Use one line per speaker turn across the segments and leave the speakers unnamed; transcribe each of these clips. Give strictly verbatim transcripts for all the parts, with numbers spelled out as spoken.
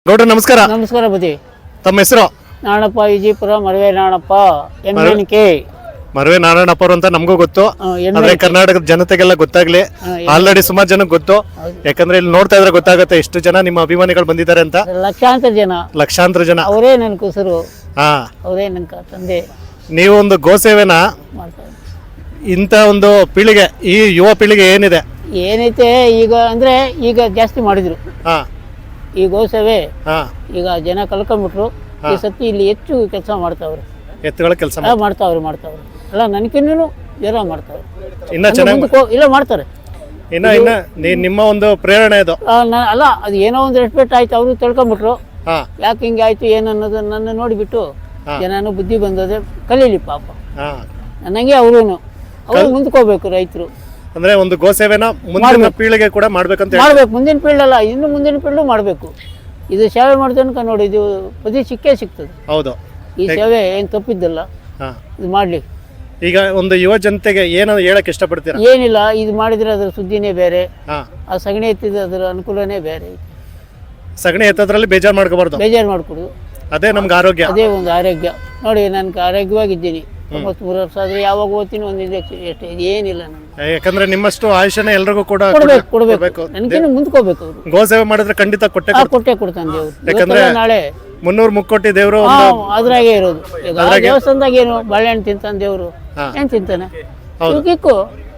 ಗೌಡ್ರ ನಮಸ್ಕಾರ.
ನಮಸ್ಕಾರ ಬುದ್ಧಿ.
ತಮ್ಮ ಹೆಸರು?
Nanappa Vijayapura Marave Nanappa M N K.
Marave Narayanappa ಅವರು ಅಂತ ನಮಗೂ ಗೊತ್ತು, ಆದ್ರೆ ಕರ್ನಾಟಕದ ಜನತೆಗೆಲ್ಲ ಗೊತ್ತಾಗ್ಲಿ. ಆಲ್ರೆಡಿ ಸುಮಾರು ಜನಕ್ಕೆ ಗೊತ್ತು, ಯಾಕಂದ್ರೆ ಇಲ್ಲಿ ನೋಡ್ತಾ ಇದ್ರೆ ಗೊತ್ತಾಗುತ್ತೆ ಎಷ್ಟು ಜನ ನಿಮ್ಮ ಅಭಿಮಾನಿಗಳು ಬಂದಿದ್ದಾರೆ ಅಂತ.
ಲಕ್ಷಾಂತರ ಜನ
ಲಕ್ಷಾಂತರ ಜನ
ಅವರೇ ನನ್ನ ಕುಸರು,
ಹಾ
ಅವರೇ ನನ್ನ ತಂದೆ.
ನೀವು ಒಂದು ಗೋಸೇವೆನ
ಮಾಡ್ತಾರೆ.
ಇಂಥ ಒಂದು ಪೀಳಿಗೆ, ಈ ಯುವ ಪೀಳಿಗೆ ಏನಿದೆ
ಏನೈತೆ ಈಗ ಅಂದ್ರೆ ಈಗ ಜಾಸ್ತಿ ಮಾಡಿದ್ರು
ಹಾ
ಈ ಗೋಸೇವೆ.
ಹಾ
ಈಗ ಜನ ಕಲ್ಕೊಂಡ್ಬಿಟ್ರು. ಈ ಸತಿ ಇಲ್ಲಿ ಹೆಚ್ಚು ಕೆಲಸ ಮಾಡ್ತಾವ್ರೆ,
ಎತ್ತುಗಳ ಕೆಲಸ
ಮಾಡ್ತಾವ್ರೆ ಮಾಡ್ತಾವ್ರೆ ಅಲ್ಲ ನನಗಿನ್ನೂ ಜನ ಮಾಡ್ತಾವ್ರೆ.
ಇನ್ನ ಚೆನ್ನಾಗಿ
ಇಲ್ಲ ಮಾಡ್ತಾರೆ.
ಇನ್ನ ಇನ್ನ ನೀ- ನಿಮ್ಮ ಒಂದು ಪ್ರೇರಣೆ ಇದು.
ಆ, ನ- ಅಲ್ಲ ಅದು ಏನೋ ಒಂದು ರೆಸ್ಪೆಕ್ಟ್ ಆಯ್ತು, ಅವರು ತಿಳ್ಕೊಂಬಿಟ್ರು
ಹಾ
ಯಾಕೆ ಹಿಂಗೆ ಆಯ್ತು ಏನು ಅನ್ನೋದು ನನ್ನ ನೋಡಿಬಿಟ್ಟು ಜನನು ಬುದ್ಧಿ ಬಂದದೆ ಕಲೀಲಿ ಪಾಪ.
ಹಾ
ನನಗೆ ಅವರು ಅವ್ರು ಮುಂದ್ಕೋಬೇಕು ರೈತರು.
ಅಂದ್ರೆ ಒಂದು ಗೋಸೇವೆನ ಮುಂದಿನ ಪೀಳಿಗೆ ಕೂಡ ಮಾಡ್ಬೇಕಂತ ಹೇಳಿ.
ಮಾಡ್ಬೇಕು, ಮುಂದಿನ ಪೀಳ್ಳು ಅಲ್ಲ ಇನ್ನು ಮುಂದಿನ ಪೀಳ್ಳು ಮಾಡಬೇಕು. ಇದು ಸೇವೆ ಮಾಡ್ತನಕ ನೋಡಿ ಇದು ಪದಿ ಸಿಕ್ಕೇ ಸಿಗ್ತದೆ.
ಹೌದು,
ಈ ಸೇವೆ ಏನು ತಪ್ಪಿದ್ದಲ್ಲ,
ಹಾ
ಇದು ಮಾಡಲಿ.
ಈಗ ಒಂದು ಯುವ ಜನತೆಗೆ ಏನು ಹೇಳಕ್ ಇಷ್ಟಪಡ್ತೀರಾ?
ಏನಿಲ್ಲ, ಇದು ಮಾಡಿದ್ರೆ ಅದರ ಸುದ್ದಿನೇ ಬೇರೆ,
ಹಾ
ಆ ಸಗಣಿ ಎತ್ತಿದ್ರೆ ಅದರ ಅನುಕೂಲನೇ ಬೇರೆ.
ಸಗಣಿ ಎತ್ತದ್ರಲ್ಲಿ ಬೇಜಾರು ಮಾಡ್ಕೋಬಾರ್ದು,
ಬೇಜಾರು ಮಾಡ್ಕೊಡು,
ಅದೇ ನಮ್ಗೆ ಆರೋಗ್ಯ.
ಅದೇ ಒಂದು ಆರೋಗ್ಯ. ನೋಡಿ ನನ್ಗೆ ಆರೋಗ್ಯವಾಗಿದ್ದೀನಿ, ತೊಂಬತ್ಮೂರು ವರ್ಷ ಆದ್ರೆ ಯಾವಾಗ ಓದ್ತೀನಿ ಒಂದು ಇಂಜೆಕ್ಷನ್ ಅಷ್ಟೇ, ಏನಿಲ್ಲ ನನಗೆ.
ಯಾಕಂದ್ರೆ ನಿಮ್ಮಷ್ಟು ಆಯುಷ್ಯನ ಎಲ್ರಿಗೂ ಕೂಡ
ಕೊಡ್ಬೇಕು ಕೊಡ್ಬೇಕು ನನಗೇನು ಮುಂದ್ಕೋಬೇಕು. ಅವರು
ಗೋಸೇವೆ ಮಾಡಿದ್ರೆ ಖಂಡಿತ ಕೊಟ್ಟೆ
ಆ ಕೊಟ್ಟೆ ಕೊಡ್ತಾನೆ ದೇವ್ರು.
ಯಾಕಂದ್ರೆ
ಇವತ್ತಲ್ಲ ನಾಳೆ
ಮುನ್ನೂರು ಮುಕ್ಕೋಟಿ ದೇವರು
ಹಾ ಅದ್ರಾಗೆ ಇರೋದು. ಈಗ ಆ ದೇವಸ್ಥಾನದಾಗ ಏನು ಬಾಳೆಹಣ್ಣು ತಿಂತಾನೆ ದೇವ್ರು, ಏನ್ ತಿಂತಾನೆ? ಕಿಕ್ಕು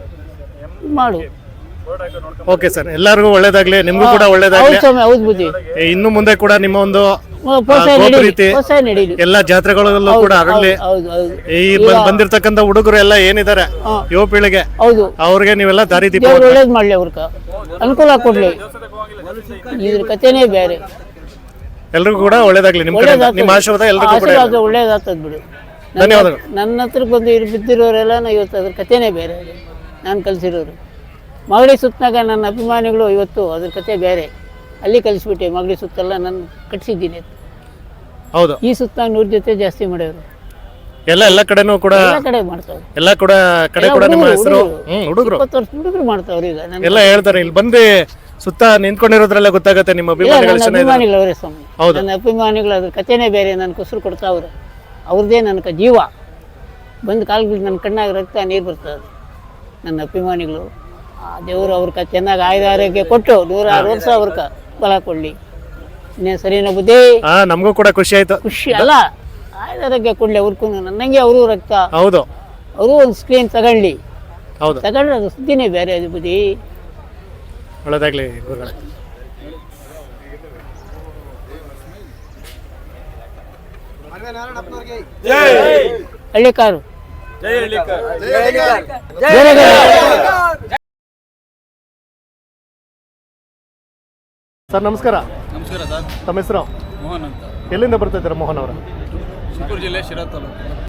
ಮಾಡು.
ಓಕೆ ಸರ್, ಎಲ್ಲರಿಗೂ ಒಳ್ಳೇದಾಗ್ಲಿ, ನಿಮ್ಗೂ ಕೂಡ ಒಳ್ಳೇದಾಗ್ಲಿ.
ಹೌದು ಸ್ವಾಮಿ, ಹೌದು ಬುದ್ಧಿ.
ಇನ್ನು ಮುಂದೆ ಕೂಡ ನಿಮ್ಮ ಒಂದು
ಪ್ರೋತ್ಸಾಹ
ಗೋಪು
ನಡೀಲಿ,
ರೀತಿ
ಪ್ರೋತ್ಸಾಹ ನಡೀಲಿ.
ಎಲ್ಲಾ ಜಾತ್ರೆಗಳಲ್ಲೂ ಕೂಡ ಅರಳಿ.
ಹೌದು ಹೌದು
ಈ ಬಂದ್- ಬಂದಿರ್ತಕ್ಕಂಥ ಹುಡುಗರು ಎಲ್ಲ ಏನಿದ್ದಾರೆ ಯುವ ಪೀಳಿಗೆ,
ಹೌದು.
ಅವ್ರಿಗೆ ನೀವೆಲ್ಲ ದಾರಿ ದೀಪ
ದೇವ್ರು ಒಳ್ಳೇದ್ ಮಾಡ್ಲಿ, ಅವ್ರಕ ಅನುಕೂಲ ಕೊಡ್ಲಿ. ಇದ್ರ ಕಥೆನೇ ಬೇರೆ.
ಎಲ್ರಿಗೂ ಕೂಡ ಒಳ್ಳೇದಾಗ್ಲಿ. ನಿಮ್ ಕಡೆ ನಿಮ್ಮ ಆಶೀರ್ವಾದ ಎಲ್ರಿಗೂ ಕೂಡ ಇರ್ಲಿ.
ಆಶೀರ್ವಾದ ಒಳ್ಳೇದಾಗ್ತದ ಬಿಡು.
ಧನ್ಯವಾದಗಳು.
ನನ್ನ ಹತ್ರಕ್ಕೆ ಬಂದು ಇರು ಬಿದ್ದಿರೋರೆಲ್ಲ ಇವತ್ತು ಅದ್ರ ಕಥೆನೇ ಬೇರೆ. ನಾನು ಕಲಿಸಿರೋರು ಮಗಡಿ ಸುತ್ತನಾಗ ನನ್ನ ಅಭಿಮಾನಿಗಳು ಇವತ್ತು ಅದ್ರ ಕತೆ ಬೇರೆ. ಅಲ್ಲಿ ಕಲಿಸ್ಬಿಟ್ಟೆ, ಮಗಡಿ ಸುತ್ತೆಲ್ಲ ನಾನು ಕಟ್ಸಿದ್ದೀನಿ.
ಹೌದು,
ಈ ಸುತ್ತನಾಗ ನೂರು ಜೊತೆ ಜಾಸ್ತಿ ಮಾಡ್ಯವರು.
ಎಲ್ಲ ಎಲ್ಲ ಕಡೆನೂ ಕೂಡ
ಎಲ್ಲ ಕಡೆ ಮಾಡ್ತಾವ್ರು,
ಎಲ್ಲ ಕೂಡ ಕಡೆ ಕೂಡ ನಿಮ್ಮ ಹೆಸರು ಹ್ಮ್ ಹುಡುಗರು
ಇಪ್ಪತ್ತು ವರ್ಷ ಹುಡುಗರು ಮಾಡ್ತಾವ್ರು. ಈಗ ನನ್ನ
ಎಲ್ಲ ಹೇಳ್ತಾರೆ, ಇಲ್ಲಿ ಬಂದು ಸುತ್ತ ನಿಂತ್ಕೊಂಡಿರೋದ್ರಲ್ಲೇ ಗೊತ್ತಾಗತ್ತೆ ನಿಮ್ಮ ಅಭಿಮಾನಿಗಳು ಎಷ್ಟು ಜನ ಇದ್ದಾರೆ.
ಅಭಿಮಾನಿಗಳು ಅವರೇ ಸ್ವಾಮಿ. ನನ್ನ ಅಭಿಮಾನಿಗಳು ಅದ್ರ ಕಥೆನೇ ಬೇರೆ. ನನ್ನ ಕುಸರು ಕೊಡ್ತಾವ್ರೆ, ಅವ್ರದ್ದೇ ನನಗೆ ಜೀವ. ಬಂದು ಕಾಲ್ಗಳು ನನ್ನ ಕಣ್ಣಾಗ ರಕ್ತ ನೀರು ಬರ್ತದೆ. ನನ್ನ ಅಭಿಮಾನಿಗಳು ಆ ದೇವರು ಅವ್ರಕ ಚೆನ್ನಾಗಿ ಆಯುಧ ಆರೋಗ್ಯ ಕೊಟ್ಟು ನೂರಾರು ವರ್ಷ ಅವ್ರಕ ಬಲ ಕೊಡಲಿ. ಇನ್ನೇನು ಸರಿನೋ ಬುದ್ಧಿ?
ಹಾ ನಮಗೂ ಕೂಡ ಖುಷಿ ಆಯ್ತು.
ಖುಷಿ ಅಲ್ಲ, ಆಯುಧ ಆರೋಗ್ಯ ಕೊಡಲಿ ಅವ್ರಿಗೂ. ನನ್ನಂಗೆ ಅವರು ರಕ್ತ,
ಹೌದು,
ಅವರು ಒಂದು ಸ್ಕ್ರೀನ್ ತಗೊಳ್ಳಿ.
ಹೌದು,
ತಗೊಂಡ್ರೆ ಅದು ಸುದ್ದಿನೇ ಬೇರೆ. ಅದು ಬುದ್ಧಿ
ಒಳ್ಳೇದಾಗ್ಲಿ ಗುರುಗಳೇ.
ಹಳ್ಳಿಕಾರು
ಸರ್ ನಮಸ್ಕಾರ.
ನಮಸ್ಕಾರ ಸರ್.
ತಮ್ಮ ಹೆಸರು?
ಮೋಹನ್ ಅಂತ.
ಎಲ್ಲಿಂದ ಬರ್ತಾ ಇದ್ದೀರಾ ಮೋಹನ್ ಅವರ?
ಚಿಕ್ಕೂರು ಜಿಲ್ಲೆ ಶಿರಾ ತಾಲೂಕು.